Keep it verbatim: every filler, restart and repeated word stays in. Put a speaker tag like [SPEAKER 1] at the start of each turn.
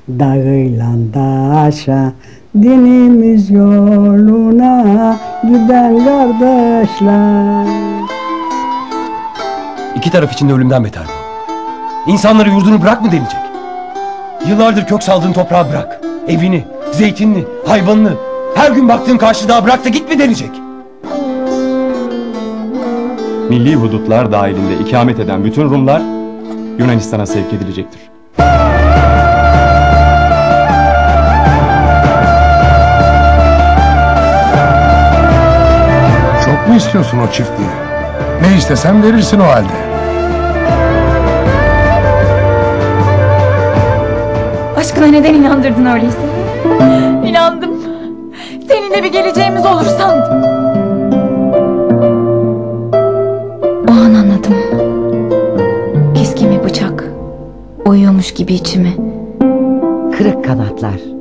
[SPEAKER 1] Dağıyla daşa, dinimiz yoluna giden kardeşler.
[SPEAKER 2] İki taraf için de ölümden beter bu. İnsanları yurdunu bırak mı denilecek? Yıllardır kök saldığın toprağı bırak. Evini, zeytinini, hayvanını, her gün baktığın karşıdağı bırak da git mi denecek?
[SPEAKER 3] Milli hudutlar dahilinde ikamet eden bütün Rumlar Yunanistan'a sevk edilecektir.
[SPEAKER 4] Çok mu istiyorsun o çiftliği? Ne istesem verirsin o halde.
[SPEAKER 5] Aşkına neden inandırdın öyleyse? İnandım. Seninle bir geleceğimiz olur sandım. O an anladım. Keskin bir bıçak oyuyormuş gibi içimi.
[SPEAKER 1] Kırık kanatlar.